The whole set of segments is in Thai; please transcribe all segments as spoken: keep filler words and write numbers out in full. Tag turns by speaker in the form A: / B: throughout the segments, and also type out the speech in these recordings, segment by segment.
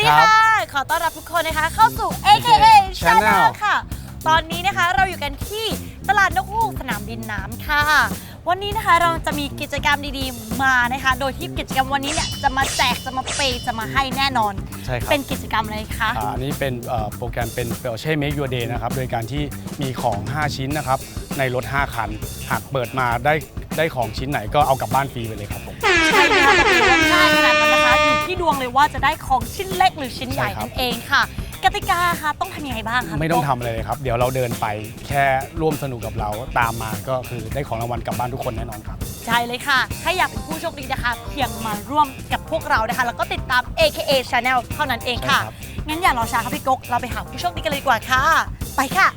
A: ค่ะขอต้อนรับทุกคนนะคะเข้าสู่ เอ เค เอ Channel ค่ะตอนนี้นะคะเราอยู่กันที่ตลาดนกฮูกสนามบินน้ำค่ะวันนี้นะคะเราจะมีกิจกรรมดีๆมานะคะโดยที่กิจกรรมวันนี้เนี่ยจะมาแจกจะมาเปย์จะมาให้แน่นอน
B: ใช่ครับ
A: เป็นกิจกรรมอะไรคะ
B: อันนี้เป็นโปรแกรมเป็นเปลเช่ Make Your Day นะครับโดยการที่มีของห้าชิ้นนะครับในรถห้าคันหากเปิดมาได้ได้ของชิ้นไหนก็เอากลับบ้านฟรีไปเลยครับผม
A: ใช่ค่ะแต่เป็นว่าง่ายขนาดนั้นนะคะอยู่ที่ดวงเลยว่าจะได้ของชิ้นเล็กหรือชิ้นใหญ่นั่นเองค่ะกติกาค่ะต้องทำยังไงบ้างคะ
B: ไม่ต้องทำอะไรเลยครับเดี๋ยวเราเดินไปแค่ร่วมสนุกกับเราตามมาก็คือได้ของรางวัลกลับบ้านทุกคนแน่นอนครับ
A: ใช่เลยค่ะถ้าอยากเป็นผู้โชคดีนะคะเพียงมาร่วมกับพวกเรานะคะแล้วก็ติดตาม เอ เค เอ Channel เท่านั้นเองค่ะงั้นอย่ารอช้าค่ะพี่ก๊กเราไปหาผู้โชคดีกันเลยดีกว่าค่ะไปค่ะ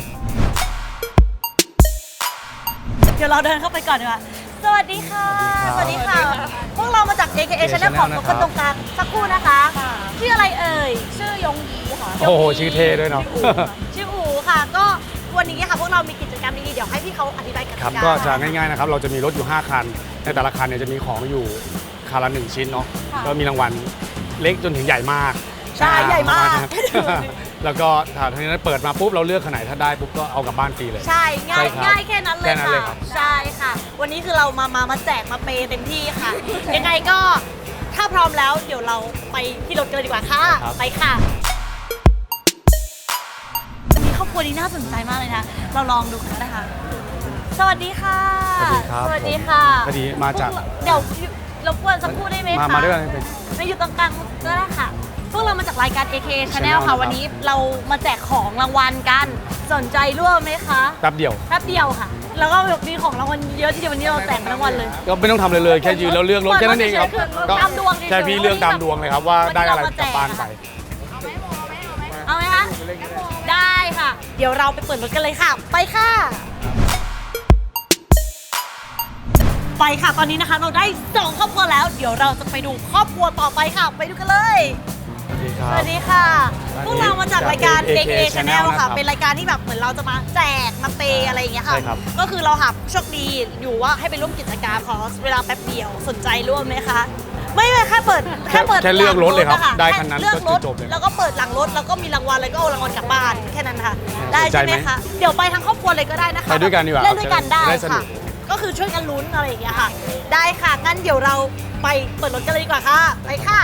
A: เดี๋ยวเราเดินเข้าไปก่อนดีกว่าสวัสดีค่ะสวัสดีค่ะพวกเรามาจาก เอ เค เอ Channel ของคนตรงกลางสักครู่นะคะชื่ออะไรเอ่ยชื่อยงยีค่ะ
B: โอ้โหชื่อเท่ด้วยเนาะ
A: ชื่ออูค่ะก็วันนี้ค่ะพวกเรามีกิจกรรมดีๆเดี๋ยวให้พี่เขาอธิบายกัน
B: ครับก็จะง่ายๆนะครับเราจะมีรถอยู่ห้าคันในแต่ละคันเนี่ยจะมีของอยู่คันละหนึ่งชิ้นเนาะก็มีรางวัลเล็กจนถึงใหญ่มาก
A: ใช่ใหญ่มาก
B: แล้วก็ถ้าทีนั้นเปิดมาปุ๊บเราเลือกขนาดถ้าได้ปุ๊บก็เอากลับบ้านฟรีเลย
A: ใช่ง่ายง่ายแค่นั้นเลยค่ะใช่ค่ะวันนี้คือเรามามามาแจกมาเปย์เต็มที่ค่ะยังไงก็ถ้าพร้อมแล้วเดี๋ยวเราไปที่รถกันเลยดีกว่าค่ะไปค่ะวันนี้ครอบครัวนี้น่าสนใจมากเลยนะเราลองดูกันนะคะสวัสดีค่ะ
B: สวัสดีครับ
A: สวัสดีค่ะ
B: พอดีมาจาก
A: เดี๋ยวรบกวนสักครู่ได้ไหมคะ
B: มาด้วยกัน
A: ไม่อยู่ตรงกลางก็ได้ค่ะพวกเรามาจากรายการ เอ เค Channel ค่ะวันนี้เรามาแจกของรางวัลกันสนใจร่วมไหมคะ
B: แป๊บเดียว
A: แป๊บเดียวค่ะแล้วก็มีของรางวัลเยอะทีเดียววันนี้เราแจกรางวัลเลย
B: ก็ไม่ต้องทำเลยเลยแค่ยืนแล้วเลือกรถแค่นั้นเองครับ
A: ก็ตามดวง
B: ใช่พี่เลือกตามดวงเลยครับว่าได้อะไรกลับบ้านไป
A: เอาไหมคะได้ค่ะเดี๋ยวเราไปเปิดรถกันเลยค่ะไปค่ะไปค่ะตอนนี้นะคะเราได้สองครอบครัวแล้วเดี๋ยวเราจะไปดูครอบครัวต่อไปค่ะไปดูกันเลยสวัสดีค่ะพวกเรามาจากรายการ เอ เค เอ Channel ค่ะเป็นรายการที่แบบเหมือนเราจะมาแจกมาเปย์อะไรอย่างเงี้ยค่ะก็คือเราหาผู้โชคดีอยู่ว่าให้ไปร่วมกิจกรรมขอเวลาแป๊บเดียวสนใจร่วมไหมคะไม่ไม่แค่เปิดแค่เปิด
B: แค่เลือกรถเลยครับได้คันนั้นก็จบเลย
A: แล้วก็เปิดหลังรถแล้วก็มีรางวัลแล้วก็เอารางวัลกลับบ้านแค่นั้นค่ะได้ใช่ไหมคะเดี๋ยวไปทั้งครอบครัวเลยก็ได้นะคะ
B: ไปด้วยกันดีกว่า
A: เล่นด้วยกันได้ค่ะก็คือช่วยกันลุ้นอะไรอย่างเงี้ยค่ะได้ค่ะงั้นเดี๋ยวเราไปเปิดรถกันเลยดีกว่าค่ะไปค่ะ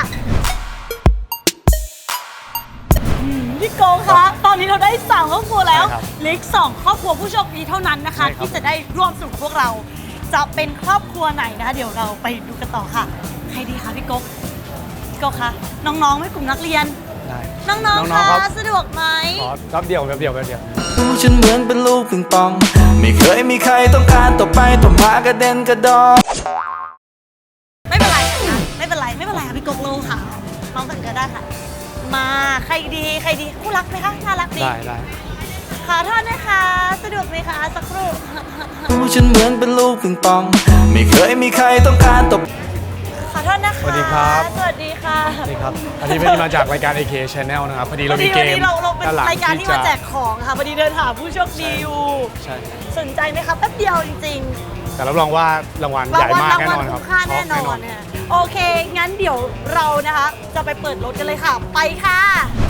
A: พี่โกคะตอนนี้เราได้สามครอบครัวแล้วเหลืออีกสองครอบครัวผู้โชคดีเท่านั้นนะคะที่จะได้ร่วมสนุกพวกเราจะเป็นครอบครัวไหนนะคะเดี๋ยวเราไปดูกันต่อค่ะใครดีคะพี่โกพี่โกคะน้องๆไม่กลุ่มนักเรียนน้องๆคะสะดวกไหม
B: ขอรับเดียวแบบเดียวแบบเดียว
C: ฉันเหมือนเป็นลูกปิงปองไม่เคยมีใครต้องการต่อไปต่อมากระเด็นกระดอน
A: ไม่เป็นไรค่ะไม่เป็นไรไม่เป็นไรค่ะพี่โกลูค่ะน้องกันก็ได้ค่ะมาใครดีใครดีคู่รักไหมคะน่ารักดี
B: ได้ได้
A: ขอโทษนะคะสะดวกไหมคะสักครู่
C: ฉันเหมือนเป็นลูกปิงปองไม่เคยมีใครต้องการตบ
A: ขอโทษนะคะ
B: สวัสดีครับ
A: สวัสดีค่ะ
B: สวัสดีครับอันนี้เป็นมาจากรายการ เอ เค Channel นะครับพอดีเรามีเกม
A: เราเราเป็นรายการที่มาแจกของค่ะพอดีเดินหาผู้โชคดีอยู่
B: ใช่
A: สนใจไหมคะแป๊บเดียวจริง
B: ๆแต่รับรองว่ารางวัลใหญ่มากแน่นอนครับ
A: ค่าแน่นอนเนี่ยโอเคงั้นเดี๋ยวเรานะคะจะไปเปิดรถกันเลยค่ะไปค่ะ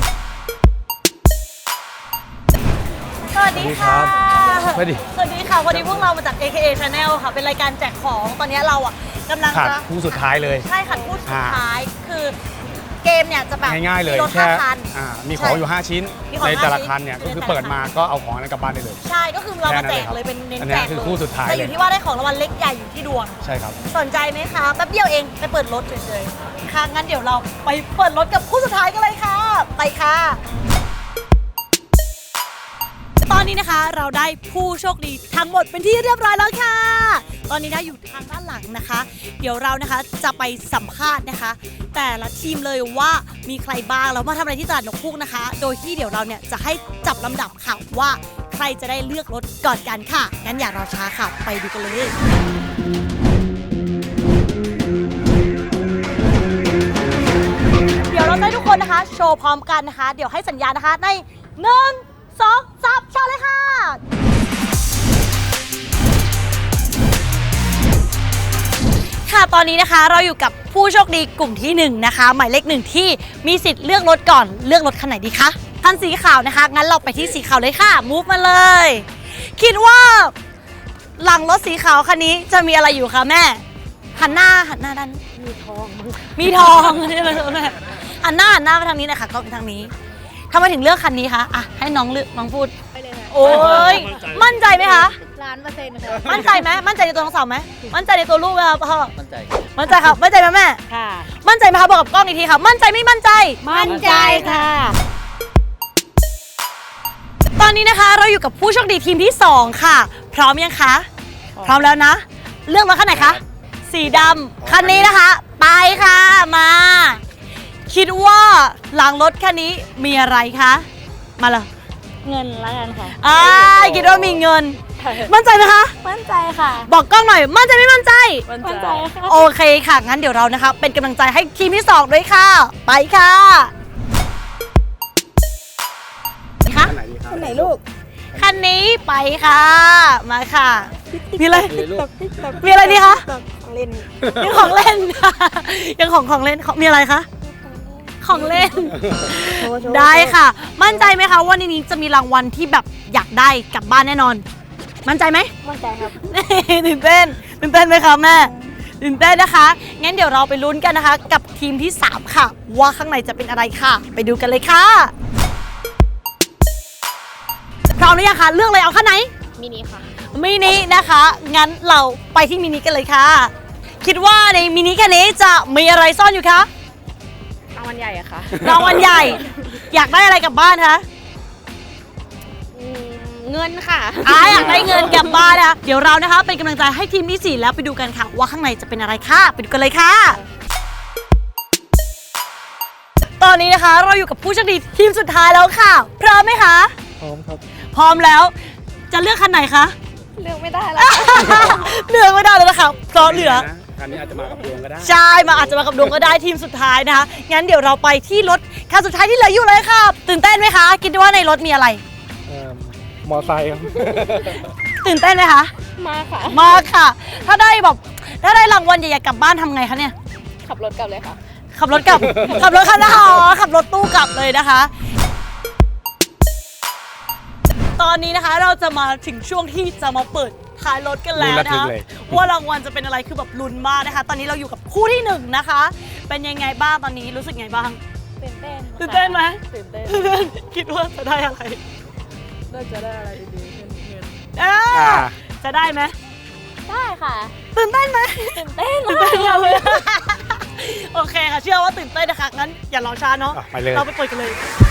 A: สวัสดีค่ะ
B: สวัสดี
A: สวัสดีค่ะวันนี้พวกเรามาจาก เอ เค เอ Channel ค่ะเป็นรายการแจกของตอนนี้เราอ่ะกำลัง
B: จะคู่สุดท้ายเลย
A: ใช่ค่ะคู่สุดท้ายคือเกมเนี่ยจะแบบ
B: ง่ายๆเลยแค่มีของอยู่ห้าชิ้นในแต่ละคันเนี่ยก็คือเปิดมาก็เอาของนั้นกลับบ้านได้เลย
A: ใช่ก็คือเรามาแจกเลยเป็นเน้นแจก
B: คือคู่สุดท้าย
A: แต่อยู่ที่ว่าได้ของรางวัลเล็กใหญ่อยู่ที่ดวง
B: ใช่ครับ
A: สนใจไหมคะแป๊บเดียวเองไปเปิดรถเฉยๆค่ะงั้นเดี๋ยวเราไปเปิดรถกับคู่สุดท้ายกันเลยค่ะไปค่ะตอนนี้นะคะเราได้ผู้โชคดีทั้งหมดเป็นที่เรียบร้อยแล้วค่ะตอนนี้นะอยู่ทางด้านหลังนะคะเดี๋ยวเรานะคะจะไปสัมภาษณ์นะคะแต่ละทีมเลยว่ามีใครบ้างแล้วมาทำอะไรที่ตลาดนกฮูกนะคะโดยที่เดี๋ยวเราเนี่ยจะให้จับลำดับค่ะว่าใครจะได้เลือกรถก่อนกันค่ะงั้นอย่ารอช้าค่ะไปดูกันเลยเดี๋ยวเราให้ทุกคนนะคะโชว์พร้อมกันนะคะเดี๋ยวให้สัญญาณนะคะในหนึ่งสองสามชาเลยค่ะค่ะตอนนี้นะคะเราอยู่กับผู้โชคดีกลุ่มที่หนึ่งนะคะหมายเลขหนึ่งที่มีสิทธิ์เลือกรถก่อนเลือกรถคันไหนดีคะคันสีขาวนะคะงั้นเราไปที่สีขาวเลยค่ะมูฟมาเลยคิดว่าหลังรถสีขาวคันนี้จะมีอะไรอยู่คะแม่หันหน้าหันหน้าด้านมีทองมีทองใช่ไหมแม่หันหน้าหันหน้าไปทางนี้นะคะก็ไปทางนี้ทำไมถึงเลือกคันนี้คะอ่ะให้น้องเลือกน้องพูดโอ้ยมั่นใจไหมคะ
D: ล้านเปอร์เซ็นต์ค่ะ
A: มั่นใจไหมมั่นใจในตัวน้องสาวไหมมั่นใจในตัวลูกไหมคะพ่อ
E: มั่นใจ
A: มั่นใจครับมั่นใจไหมแม่
D: ค่ะ
A: มั่นใจไหมคะบอกกับกล้องอีกทีค่ะมั่นใจไม่มั่นใจ
D: มั่นใจค่ะ
A: ตอนนี้นะคะเราอยู่กับผู้โชคดีทีมที่สองค่ะ พร้อมยังคะพร้อมแล้วนะ เลือกรถคันไหนคะสีดำคันนี้นะคะ ไปค่ะมา คิดว่าหลังรถคันนี้มีอะไรคะมาเลย
D: เงินแล้วกันค่ะ
A: อ่าคิดว่ามีเงิน มั่นใจไหมคะ
D: มั่นใจค่ะ
A: บอกกล้องหน่อย มั่นใจไม่มั่นใจ
D: มั่นใจค่ะ
A: โอเคค่ะ งั้นเดี๋ยวเรานะคะ เป็นกำลังใจให้ทีมที่สองด้วยค่ะ ไปค่ะคะ
B: คันไหนดีครับ
D: ไหนลูก
A: คันนี้ไปค่ะ มาค่ะ มีอะไร
B: เลยลูก
A: มีอะไรดีคะ
D: ของเล่น
A: ยังของเล่น ยังของของเล่นของมีอะไรคะ ของเล่น ได้ค่ะ มั่นใจไหมคะว่าในนี้จะมีรางวัลที่แบบอยากได้กลับบ้านแน่นอน มั่นใจไหม
D: มั่นใจครับ
A: ตื่นเต้นตื่นเต้นไหมคะแม่ตื่นเต้นนะคะ งั้นเดี๋ยวเราไปลุ้นกันนะคะ กับทีมที่สามค่ะ ว่าข้างในจะเป็นอะไรค่ะ ไปดูกันเลยค่ะ พร้อมหรือยังคะเลือกเลยเอาข้างไหน
D: มินิค่ะ
A: มินินะคะ งั้นเราไปที่มินิกันเลยค่ะ คิดว่าในมินิคันนี้จะมีอะไรซ่อนอยู่คะ
D: รางวัลใหญ่อะค่ะ
A: รางวัลใหญ่ อยากได้อะไรกลับบ้านคะ
D: เงินค่ะ
A: อ่าอยากได้เงินกลับบ้านนะคะเดี๋ยวเรานะคะเป็นกำลังใจให้ทีมที่สี่แล้วไปดูกันค่ะ ว่าข้างในจะเป็นอะไรค่ะไปดูกันเลยค่ะ ตอนนี้นะคะเราอยู่กับผู้โชคดีทีมสุดท้ายแล้วค่ะ พร้อมไหมคะ
E: พร้อมครับ
A: พร้อมแล้วจะเลือกคันไหนคะ
D: เลือกไม่ได้แล้ว
A: เลือกไม่ได้เลยนะคะเพราะเหลือ
B: คันนี้อาจจะมากับดวงก็ได้
A: ใช่มาอาจจะมากับดวงก็ได้ทีมสุดท้ายนะคะงั้นเดี๋ยวเราไปที่รถคันสุดท้ายที่เหลืออยู่เลยค่ะ ตื่นเต้นไหมคะคิดว่าในรถมีอะไร
E: เอ่อมอไซค์ครับ
A: ตื่นเต้นไหมคะ
D: มาค่ะ
A: มากค่ะ ถ้าได้แบบถ้าได้รางวัลใหญ่ๆกลับบ้านทำไงคะเนี่ย
D: ขับรถกลับเลยค่ะ
A: ขับรถกลับ ขับรถคันนะคะอ๋อขับรถตู้กลับเลยนะคะ ตอนนี้นะคะเราจะมาถึงช่วงที่จะมาเปิดท้ายรถกันแล้วนะคะว่ารางวัลจะเป็นอะไรคือแบบลุ้นมากนะคะ ตอนนี้เราอยู่กับคู่ที่หนึ่งนะคะ เป็นยังไงบ้างตอนนี้รู้สึกไงบ้าง
D: ตื่นเต้น
A: ตื่นเต้นไหม
D: ตื่นเต้น
A: คิดว่าจะได้อะไร
D: น่าจะได้อะไรดีๆขึ้นเงิน
A: เอ้ยจะได้ไหม
D: ได้ค่ะ
A: ตื่นเต้นไหม
D: ตื่นเต้น
A: ตื่นเต้นมากเลยโอเคค่ะเชื่อว่าตื่นเต้นนะคะงั้นอย่ารอช้าเนาะ
B: อ่ะไปเลย
A: เราไปเปิดกันเลย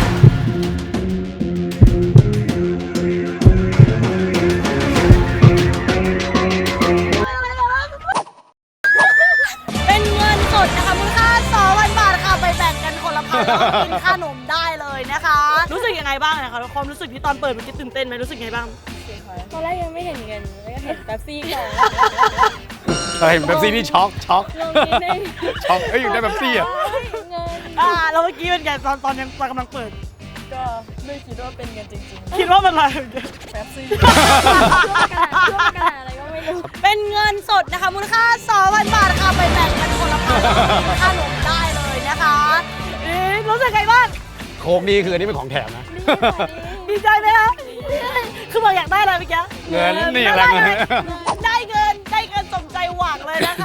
A: เป็นเงินสดนะคะมูลค่าสองพันบาทค่ะไปแบ่งกันคนละพันแล้วก็กินค่านมได้เลยนะคะ รู้สึกยังไงบ้างนะคะความรู้สึกที่ตอนเปิดเมื่อกี้ตื่นเต้นไหมรู้สึกไงบ้าง
D: ตอนแรกยังไม่เห็นเงินแล้วก็เห็นแป๊บซี่ก่อน
B: เฮ้ยแบบซี่นี่ช็อกช็อก
D: ลงนิดนึง
B: ช็อกเอ้ยอยู่ได้แบบซี่อ่ะ
D: เงิน
A: อ่าแล้วเมื่อกี้เป็นไงตอนตอนยังตอนกำลังเปิด
D: ก็ไม่คิดว่าเป็นเงินจริง
A: คิดว่าเป็นอะไร
D: ๆแป๊บซี่ช่วงกระดาษช่วงกระดาษอะไรก็ไม่รู้
A: เป็นเงินสดนะคะมูลค่าสองพันบาทค่ะไปแบ่งกันคนละพันแล้วก็กินค่านมได้เลยนะคะเอ๊ะรู้สึกไงบ้าง
B: โค้กนี่คืออันนี้เป็นของแถมนะ
A: ดีใจไหมคะคือบอกอยากได้อะไรเมื่อกี้
B: เงินนี่อะไรเงิน
A: ได้เงินได้เงินสมใจหวังเลยนะคะ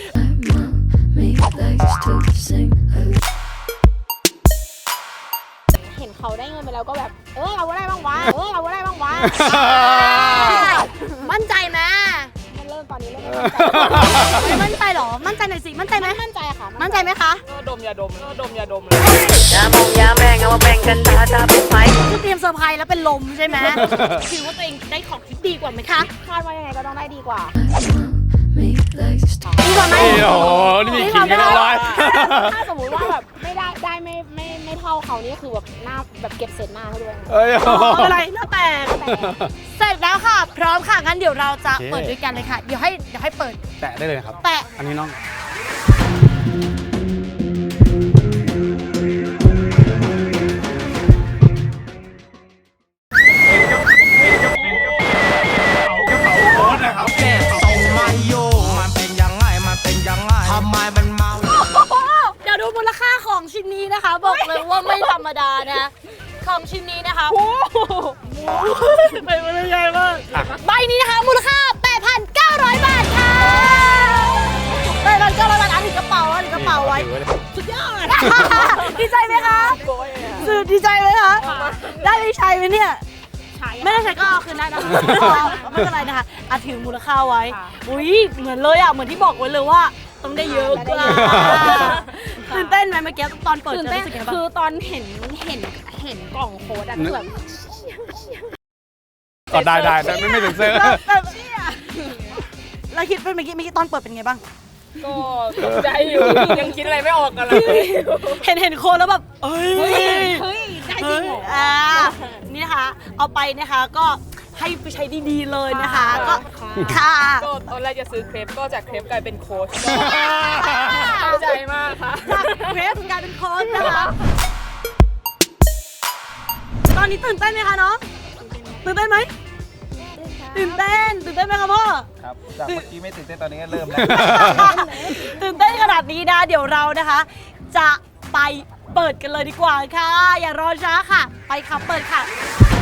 D: เห็นเขาได้เงินไปแล้วก็แบบ เออเอาอะไรบ้างวะ เออเอาอะไรบ้างวะ
A: มั่นใจไหม
D: มันเริ่มตอนนี้เริ่มไม่มั่นใจ
A: ไม่มั่นใจเหรอ มั่นใจหน่อยสิ มั่นใจไหม
D: มั่นใจค่ะ
A: มั่นใจไหมคะ
D: ดมยาดมดมยาดมเลย
F: ยามองยาแม่งเอามาแบ่งกันตาตาเป็นไฟ
A: คือเตรียมเซอร์ไพรส์แล้วเป็นลมใช่ไหมคิดว่าตัวเองได้ของที่ดีกว่าไหมคะ
D: คาดว่ายังไงก็ต้องได้ดีกว่า
A: ดีกว่าไหม
B: นี่โอ้โหนี่มีขิงกันเรียบร้อย
D: ถ้าสมมติว่าแบบไม่ได้ได้ไม่ไม่ไม่เท่าเขานี่คือแบบหน้าแบบเก็บเศษหน้าให้ด้วย
B: เอ้ย
A: อ๋อไม่เป็นไรแล้วแต่ เสร็จแล้วค่ะ พร้อมค่ะ งั้นเดี๋ยวเราจะ
B: โอเค
A: เปิดด้วยกันเลยค่ะ เดี๋ยวให้เดี๋ยวให้เปิด
B: แตะได้เลยนะครับ
A: แตะ
B: อันนี้น้อง
C: แม่ส่งมาโยมันเป็นยังไงมันเป็นยังไง
G: ำไมมันเมา
A: เดี๋ยวดูมูลค่าของชิ้นนี้นะคะ บอกเลยว่าไม่ธรรมดานะของชิ้นนี้นะคะโอ้โหไปมันใหญ่มากใบนี้นะคะมูลค่า แปดพันเก้าร้อย บาทค่ะแปดพันเก้าร้อย บาทอันนี้กระเป๋าอันนี้กระเป๋าไว้สุดยอดดีใจไหมคะสุดดีใจไหมคะได้ไปใช้ไหมเนี่ยไม่ได้ใช้ก็เอาคืนได้นะคะไม่เป็นไรนะคะอาถือมูลค่าไว้อุ้ยเหมือนเลยอ่ะเหมือนที่บอกไว้เลยว่าต้องได้เยอะกว่าตื่นเต้นไหมเมื่อกี้ตอนเปิด
D: ตื่น
A: เจอ
D: เต้น
A: รู้สึกยังไงบ้าง
D: คือตอนเห็นเห็นเห็นกล่องโค้ดอะคือแบบ
B: ก็ได้ได้แต่ไม่ไม่ถึงเซอร์
A: แบบเราคิดเป็นเมื่อกี้เมื่อกี้ตอนเปิดเป็นไงบ้าง
D: ก็ตกใจอยู่ยังคิดอะไรไม่ออกกันเลย
A: เห็นเห็นโคนแล้วแบบเอ้ย
D: เฮ้ยได้จริงเหรอ
A: อ่านี่นะคะเอาไปนะคะก็ให้ไปใช้ดีๆเลยนะคะก็ค่ะ
H: ก็ตอนแรกจะซื้อเครปก็จากเครปกลายเป็นโค้ชก็เข้าใจมากค่ะ
A: จากเวฟกลายเป็นโค้ชนะคะตอนนี้ตื่นเต้นไหมคะน้องตื่นเต้นไหมตื่นเต้นตื่นเต้นไหมคะพ่อ
E: ครับ จากเมื่อกี้ไม่ตื่นเต้นตอนนี้ก็เริ่มแล้ว
A: ตื่นเต้นขนาดนี้นะเดี๋ยวเรานะคะ จะไปเปิดกันเลยดีกว่าค่ะ อย่ารอช้าค่ะ ไปค่ะเปิดค่ะ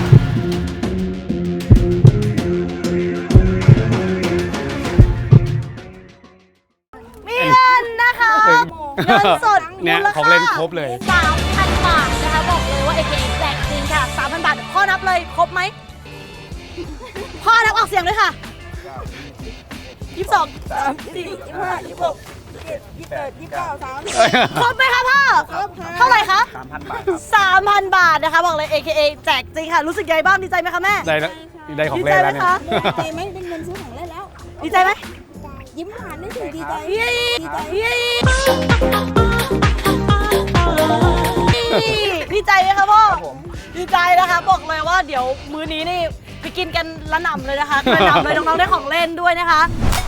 A: มีเงินนะคะเงินสด
B: เนี่ย
A: มูล
B: ของ
A: ค่า
B: เล่นครบเลย
A: สามพันบาทนะคะบอกเลยว่า เอ เค แจกจริงค่ะสามพันบาทพ่อนับเลยครบไหมพ่อนับออกเสียงเลยค่ะยี่สิบสองสามสี่ยี่สิบห้ายี่สิบหกยี่สิบเจ็ดยี่สิบแปดยี่สิบเก้าสามสิบครบไหมคะพ่อเท่าไหร่คะ
E: สามพันบาท
A: สามพันบาทนะคะบอกเลย เอ เค แจกจริงค่ะรู้สึกยังไงบ้างดีใจไหมคะแม่
B: ได้แล้วได้ของ
A: ดี
B: เล่
A: ใจ
B: น
A: ไหม
B: แล้วเนี่ย
A: คะ
I: ดีใจไหมเป็นเงินซื้อของเล่นแล้ว
A: ดีใจไหม
I: ยิ้มหวานได้สิดีใจ
A: เย้เย้ดีใจไหมคะพ่อดีใจนะคะบอกเลยว่าเดี๋ยวมื้อนี้นี่ไปกินกันละหนำเลยนะคะกระหนำเลยน้องๆได้ของเล่นด้วยนะคะ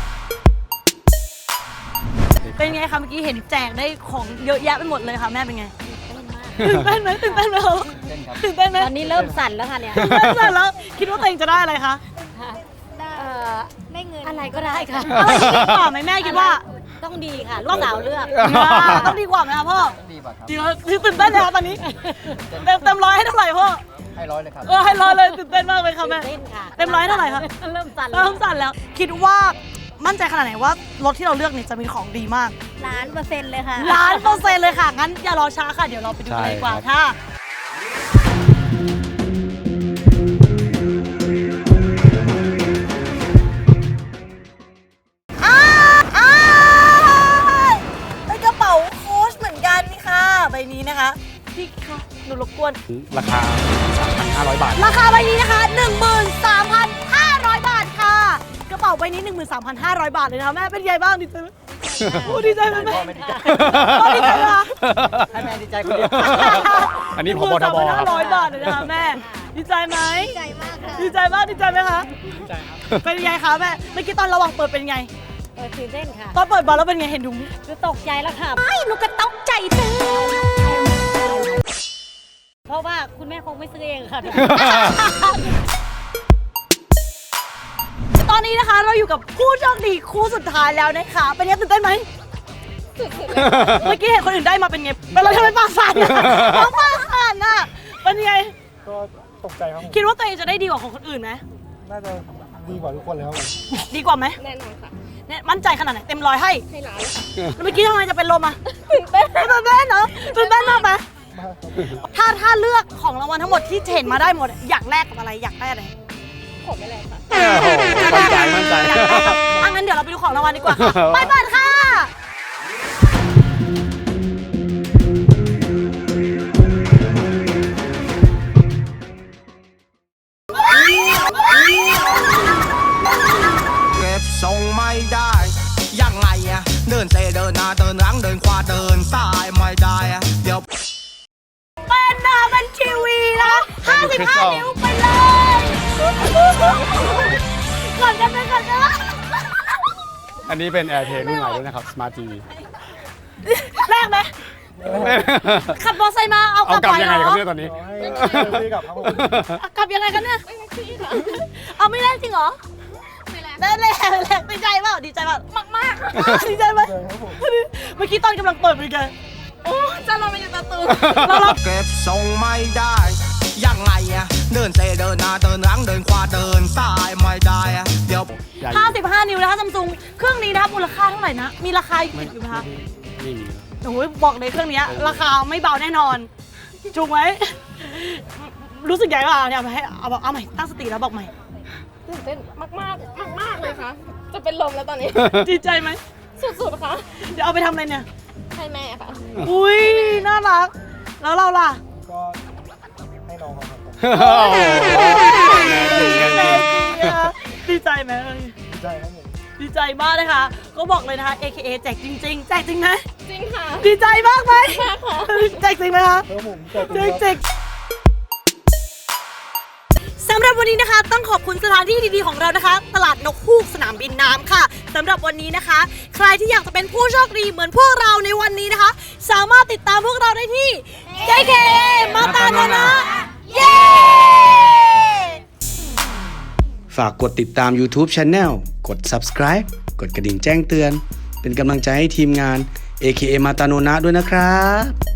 A: เป็นไงคะเมื่อกี้เห็นแจกได้ของเยอะแยะไปหมดเลยค่ะแม่เป็นไงตื่นเต้นไหมตื่นเต้นไหมคะตื่นเต้นไหม
D: ตอนนี้เริ่มสั่นแล้วค่ะเนี่ย
A: ตื่นเต้นเลยแล้วคิดว่าตัวเองจะได้อะไรคะ
D: เอ่อ
I: ได้เงิน
D: อะไรก็ได้ค่ะ
A: อะไรจะดีกว่าไหมแม่คิดว่า
D: ต้องดีค่ะลูกสาวเลือก
A: ต้องดีกว่าไหมคะพ่อ
E: ดีกว่าครับ
A: จริงเหรอตื่นเต้นเลยคะตอนนี้เต็มเต็มร้อยให้เท่าไหร่พ่อ
E: ให้ร้อยเลยครับ
A: เออให้ร้อยเลยตื่นเต้นมากเลยค่ะแม่
D: เต้นค่ะ
A: เต็มร้อยเท่าไหร่คะ
D: เริ่มสั่น
A: เริ่มสั่นแล้ว คิดว่ามั่นใจขนาดไหนว่ารถที่เราเลือกเนี่ยจะมีของดีมาก
I: ล้านเปอร์เซ็นต์เลยค่ะ
A: ล้านเปอร์เซ็นต์เลยค่ะ งั้นอย่ารอช้าค่ะ เดี๋ยวเราไปดูกันเลยดีกว่าค่ะ อ้าวอ้าวเป็นกระเป๋าโค้ชเหมือนกันนี่ค่ะ ใบนี้นะคะ พี่คะหนูรบกวน
B: ราคา สามพันห้าร้อย บาท
A: ราคาใบนี้นะคะ หนึ่งหมื่นสามพันห้าร้อย บาทค่ะ กระเป๋าใบนี้ หนึ่งหมื่นสามพันห้าร้อย บาทเลยนะคะแม่เป็นไงบ้างดีใจไหมโอ้ดีใจไหมแม่
E: พ่อไม่ดีใจ
A: พ่อดีใจไหมคะ
E: ให้แม่ดีใจคนเดียว
B: อันนี้พบทบครับ
A: ห้าร้อยบาทเลยนะคะแม่ ดีใจไหม
I: ดีใจมากค่ะ
A: ดีใจมากดีใจไหมคะ
E: ดีใจครับ
A: เป็นไงคะแม่ เมื่อกี้ตอนระหว่างเปิดเป็นไง
D: เออตื่นเต้นค่ะ
A: ตอนเปิดบอลแล้วเป็นไงเห็นดู
D: คือตกใจแล้วค่ะ
A: ไอ้หนูก็ตกใจตึง
D: เพราะว่าคุณแม่คงไม่ซื้อเองค่ะ
A: ตอนนี้นะคะเราอยู่กับผู้โชคดีคู่สุดท้ายแล้วนะคะ เป็นไงตื่นเต้นไหมเมื่อกี้เห็นคนอื่นได้มาเป็นไงเป็นเราทำไมปากสั่นอะน้องปากสั่นอะเป็นไง
E: ก็ตกใจครับผม
A: คิดว่าตัวเองจะได้ดีกว่าของคนอื่นไหม
E: น่าจะดีกว่าทุกคนแล้วครับผม
A: ดีกว่าไหม
I: แน่นอนค่ะ
A: เนี่ยมั่นใจขนาดไหนเต็มร้อยให้
I: ให้ล้าน
A: แล้วเมื่อกี้ทำไมจะเป็นลมอะตื่นเต้นตื่นเต้นเนาะตื่นเต้นมากไหม
E: มากครับ
A: ถ้าถ้าเลือกของรางวัลทั้งหมดที่เห็นมาได้หมดอยากแลกกับอะไรอยากได้อะไร
I: ผมไม่แรงค่ะ
B: โอ้โหมั่นใจมั่นใจ
A: อยากได้กับอ่ะงั้นเดี๋ยวเราไปดูของรางวัลดีกว่าค่ะไปเปิดค่ะ
G: เก็บทรงไม่ได้ยังไงอะเดินเซเดินหน้าเดินหลังเดินขวาเดินซ้ายไม่ได้อะเดี๋ยว
A: เป็นหน้าเป็นทีวีนะห้าสิบห้านิ้วไปเลย ก่อนกันไปก่อนกัน
B: อันนี้เป็น AirPlay รุ่นใหม่ด้วยนะครับ Smart ที วี
A: แลกไหมขับมอเตอร์ไซค์มาเอาก
B: เอา
A: ลับ
B: กลับ
A: ไป
B: ยัง
A: เห
B: ไง
A: ร
B: ครับ
A: อ
B: เนี่ยตอนนี้
E: ให้ซื้อกลับครับผม
A: กลับยังไงกันเนี่ยเอาไม่ได้จริงเหรอ
I: ไม่แรง
A: นั่นแหละนั่นแหละดีใจเปล่าดีใจเปล่ามากมากดีใจไหมเมื่อกี้ตอนกำลังเปิดเป็นไงโอ้จะเราไปอยู่ตะตูเราเรา
G: เก็บทรงไม่ได้ยังไงอะเดินเซเดินหน้าเดินหลังเดินขวาเดินซ้ายไม่ได้อะเดี๋ยว
A: ห้าสิบห้านิ้วนะคะซัมซุงเครื่องนี้นะคะมูลค่าเท่าไหร่นะ มีราคาอยู่ไหมคะ
B: ไม่มี
A: โอ้ยบอกเลยเครื่องนี้ราคาไม่เบาแน่นอนถูกไหมรู้สึกยังไงบ้างเนี่ยให้เอาเอาใหม่ตั้งสติแล้วบอกใหม่
D: ตื่นเต้นมากมากมากมากๆเลยค่ะ จะเป็นลมแล้วตอนนี้
A: ดีใจไหม
D: สุดๆค่ะ
A: เดี๋ยวเอาไปทำอะไรเนี่ย
D: ให้แม่ค่ะ
A: อุ้ยน่ารักแล้วเราล่ะ
E: ก็ให้น้องเขาครับผม
A: ดีใจไหม
E: ดีใจครับผม
A: ดีใจมากเลยค่ะก็บอกเลยนะคะ เอ เค เอ แจกจริงๆแจกจริงไหม
D: จริงค่ะ
A: ดีใจมากไหม
D: มากค่ะ
A: แจกจริงไหมคะ
E: แล้วผมเกิด
A: แจ
E: เป็น
A: กจริงสำหรับวันนี้นะคะต้องขอบคุณสถานที่ดีๆของเรานะคะ ตลาดนกฮูกสนามบินน้ำค่ะสำหรับวันนี้นะคะ ใครที่อยากจะเป็นผู้โชคดีเหมือนพวกเราในวันนี้นะคะ สามารถติดตามพวกเราได้ที่ เอ เค เอ มาตาโนนะเย้
J: ฝากกดติดตาม YouTube Channel กด Subscribe กดกระดิ่งแจ้งเตือน เป็นกำลังใจให้ทีมงาน เอ เค เอ มาตาโนนะด้วยนะครับ